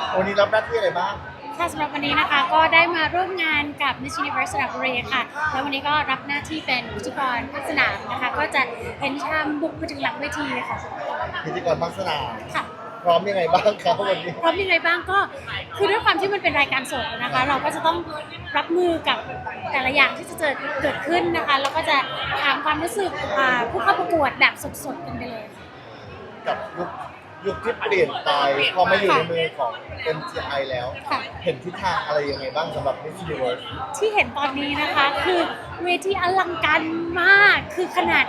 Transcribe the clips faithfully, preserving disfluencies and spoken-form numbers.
วันนี้รับหน้าที่อะไรบ้างค่ะสำหรับวันนี้นะคะก็ได้มาร่วมงานกับ Miss Universe สระบุรีค่ะแล้ววันนี้ก็รับหน้าที่เป็นพิธีกรภาคสนามนะคะก็จะเห็นชามบุกไปถึงหลังเวทีเลยค่ะพิธีกรภาคสนามค่ะพร้อมยังไงบ้างครับวันนี้พร้อมยังไงบ้างก็คือด้วยความที่มันเป็นรายการสดนะคะ เราก็จะต้องรับมือกับแต่ละอย่างที่จะเกิดเกิดขึ้นนะคะแล้วก็จะถามความรู้สึกผู้เข้าประกวดแบบสดๆกันไปเลยกับยุคยุคที่เปลี่ยนไปพอมาอยู่ในมือของ เอ็ม จี ไอ แล้วเห็นทิศทางอะไรยังไงบ้างสำหรับ Miss Universe ที่เห็นตอนนี้นะคะคือเวทีอลังการมากคือขนาด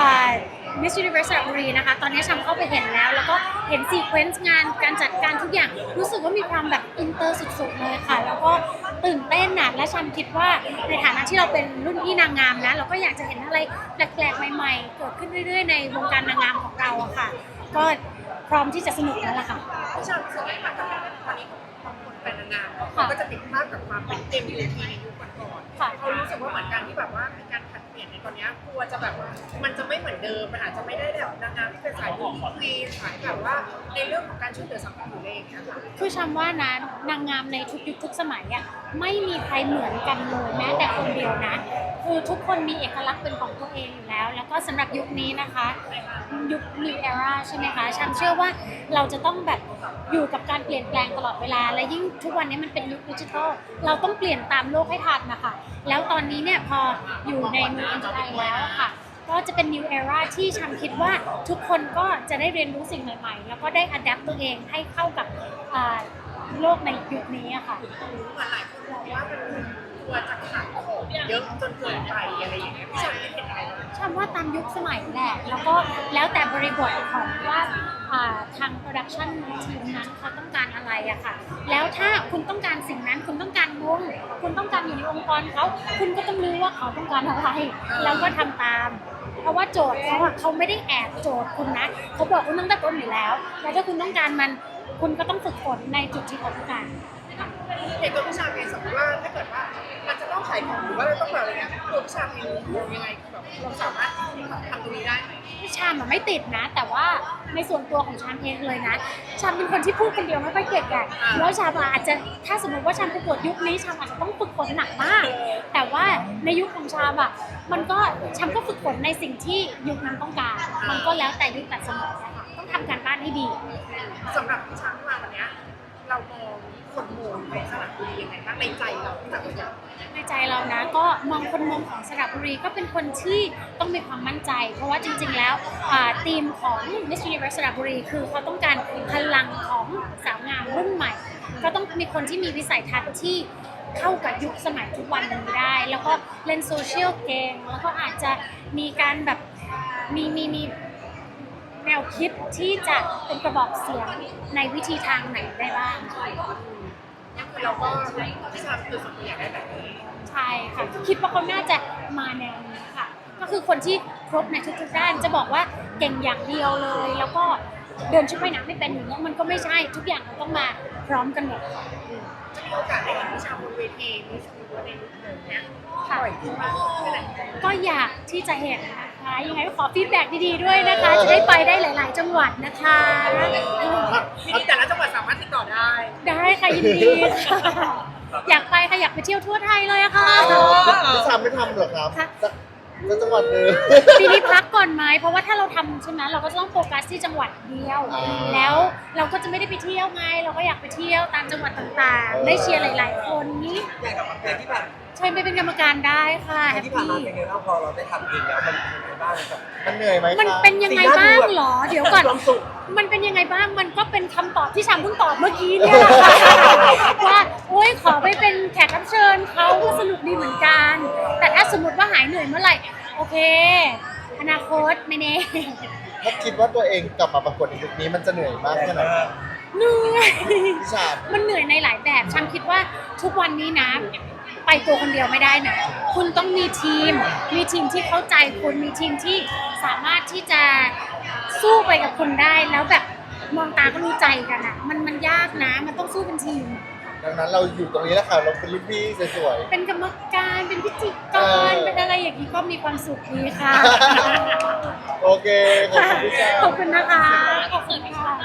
Miss Universe สระบุรีนะคะตอนนี้ชมเข้าไปเห็นแล้วแล้วก็เห็นซีเควนซ์งานการจัดการทุกอย่างรู้สึกว่ามีความแบบอินเตอร์สุดๆเลยค่ะแล้วก็ตื่นเต้นนะและชมคิดว่าในฐานะที่เราเป็นรุ่นพี่นางงามนะเราก็อยากจะเห็นอะไรแปลกๆใหม่ๆเกิดขึ้นเรื่อยๆในวงการนางงามของเราอะค่ะก็พร้อมที่จะสนุกแล้วล่ะค่ะพี่ชอบรู้สึกว่าแบบตอนนี้ของคนเป็นนางงามเขาก็จะติดภาพกับความเป็นเต็มยูทีในยุคก่อนๆเขารู้สึกว่าเหมือนกันที่แบบว่ามีการผัดเปลี่ยนในตอนนี้กลัวจะแบบมันจะไม่เหมือนเดิมมันอาจจะไม่ได้แบบนางงามที่เป็นสายบุคลีสายแบบว่าในเรื่องของการช่วยเหลือสังคมหรืออะไรอย่างเงี้ยค่ะคือชมว่านะนางงามในทุกยุคทุกสมัยอ่ะไม่มีใครเหมือนกันเลยแม้แต่คนเดียวนะคือทุกคนมีเอกลักษณ์เป็นของตัวเองอยู่แล้วแล้วก็สำหรับยุคนี้นะคะยุค New Era ใช่ไหมคะฉันเชื่อว่าเราจะต้องแบบอยู่กับการเปลี่ยนแปลงตลอดเวลาและยิ่งทุกวันนี้มันเป็นยุคดิจิทัลเราต้องเปลี่ยนตามโลกให้ทันนะคะแล้วตอนนี้เนี่ยพออยู่ในมือ เอ็ม จี ไอ แล้วค่ะก็จะเป็น new era ที่ฉันคิดว่าทุกคนก็จะได้เรียนรู้สิ่งใหม่ๆแล้วก็ได้ adapt ตัวเองให้เข้ากับโลกในยุคนี้อะค่ะเหมือนหลายคนมองว่ามันกลัวจะขาดของเยอะจนเกินไปอะไรอย่างเงี้ยพี่ชายเห็นอะไรบ้างฉันว่าตามยุคสมัยแหละแล้วก็แล้วแต่บริบทของว่าทางโปรดักชันทีมนั้นเขาต้องการอะไรอะค่ะแล้วถ้าคุณต้องการสิ่งนั้นคุณต้องการวงคุณต้องการอยู่ในองค์กรเขาคุณก็ต้องรู้ว่าเขาต้องการอะไรแล้วก็ทำตามเพราะว่าโจทย์เขาอะเขาไม่ได้แอบโจทย์คุณนะเขาบอกคุณต้องตะโกนอยู่แล้วแล้วถ้าคุณต้องการมันคุณก็ต้องฝึกฝนในจุดที่เขาต้องการเห็นตัวพี่ชายเองสมมติว่าถ้าเกิดว่ามันจะต้องขายของหรือว่าเราต้องแบบอะไรเงี้ยตัวพี่ชายเองมองยังไงแบบเราสามารถทำตรงนี้ได้ไหมพี่ชามอะไม่ติดนะแต่ว่าในส่วนตัวของชามเองเลยนะชามเป็นคนที่พูดคนเดียวไม่ค่อยเก่งอะแล้วชามอาจจะถ้าสมมติว่าชามประกวดยุคนี้ชามอาจจะต้องฝึกฝนหนักมากแต่ว่าในยุคของชามอะมันก็ชามก็ฝึกฝนในสิ่งที่ยุคนั้นต้องการมันก็แล้วแต่ยุคแต่สมัยนะคะต้องทำการบ้านให้ดีสำหรับพี่ช้างมาวันนี้เรามองคนมองในสระบุรียังไงบ้างในใจเราที่แบบว่าในใจเรานะก็มองคนมองของสระบุรีก็เป็นคนที่ต้องมีความมั่นใจเพราะว่าจริงๆแล้วธีมของ Miss Universe สระบุรีคือเขาต้องการพลังของสาวงามรุ่นใหม่ก็ต้องมีคนที่มีวิสัยทัศน์ที่เข้ากับยุคสมัยทุกวันนี้ได้แล้วก็เล่นโซเชียลเก่งแล้วก็อาจจะมีการแบบมีมีมีแนวคิดที่จะเป็นกระบอกเสียงในวิธีทางไหนได้บ้างคือเราก็พี่ชายคือสมมติอยากได้แบบนี้ใช่ค่ะคิดว่าเขาน่าจะมาแนวนี้ค่ะก็คือคนที่ครบในทุกๆด้านจะบอกว่าเก่งอย่างเดียวเลยแล้วก็เดินชุดว่ายน้ำไม่เป็นอย่างนี้มันก็ไม่ใช่ทุกอย่างมันต้องมาพร้อมกันหมดจะมีโอกาสได้เห็นพี่ชายบนเวทีมีชูในลุคเนี้ยบ่อยขึ้นมากขึ้นเลยก็อยากที่จะเห็นนะคะยังไงก็ขอฟีดแบ็กดีๆด้วยนะคะจะได้ไปได้หลายๆจังหวัดนะคะทีนี้แต่ละจังหวัดสามารถติดต่อได้ได้ค่ะยินดีค่ะอยากไปค่ะอยากไปเที่ยวทั่วไทยเลยอะค่ะพี่ชามไม่ทำหรอครับแล้วจังหวัดเดิมปีนี้พักก่อนไหมเพราะว่าถ้าเราทำใช่ไหมเราก็จะต้องโฟกัสที่จังหวัดเดียวแล้วเราก็จะไม่ได้ไปเที่ยวไงเราก็อยากไปเที่ยวตามจังหวัดต่างๆได้เชียร์หลายๆคนนี้อย่างกับเพลงที่ผ่านใช่ไปเป็นกรรมการได้ค่ะแฮปปี้ที่ผ่านมาเป็นไงบ้างพอเราได้ทำเองแล้วมันเป็นยังไงบ้างมันเหนื่อยไหมมันเป็นยังไงบ้างหรอเดี๋ยวก่อนมันเป็นยังไงบ้างมันก็เป็นคำตอบที่ชามเพิ่งตอบเมื่อกี้เนี่ยแหละว่าโอ๊ยขอไปเป็นแขกรับเชิญเขาก็สนุกดีเหมือนกันแต่ถ้าสมมติว่าหายเหนื่อยเมื่อไหร่โอเคอนาคตไม่แน่ถ้าคิดว่าตัวเองกลับมาประกวดในยุคนี้มันจะเหนื่อยมากแค่ไหนเหนื่อยพี่ชามมันเหนื่อยในหลายแบบชามคิดว่าทุกวันนี้นะไปตัวคนเดียวไม่ได้นะคุณต้องมีทีมมีทีมที่เข้าใจคุณมีทีมที่สามารถที่จะสู้ไปกับคุณได้แล้วแบบมองตาก็รู้ใจกันอ่ะมันมันยากนะมันต้องสู้เป็นทีมดังนั้นเราอยู่ตรงนี้แล้วค่ะเราเป็นรุ่นพี่สวยๆเป็นกรรมการเป็นพิธีกรเป็นอะไรอย่างนี้ก็มีความสุขดีค่ะโอเคขอบคุณพี่ชามขอบคุณนะคะขอบคุณค่ะ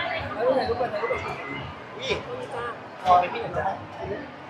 ถ่ายรูปถ่ายรูปถ่ายรูปอุ้ยต้องจ้าพอไปพี่หนึ่งนะ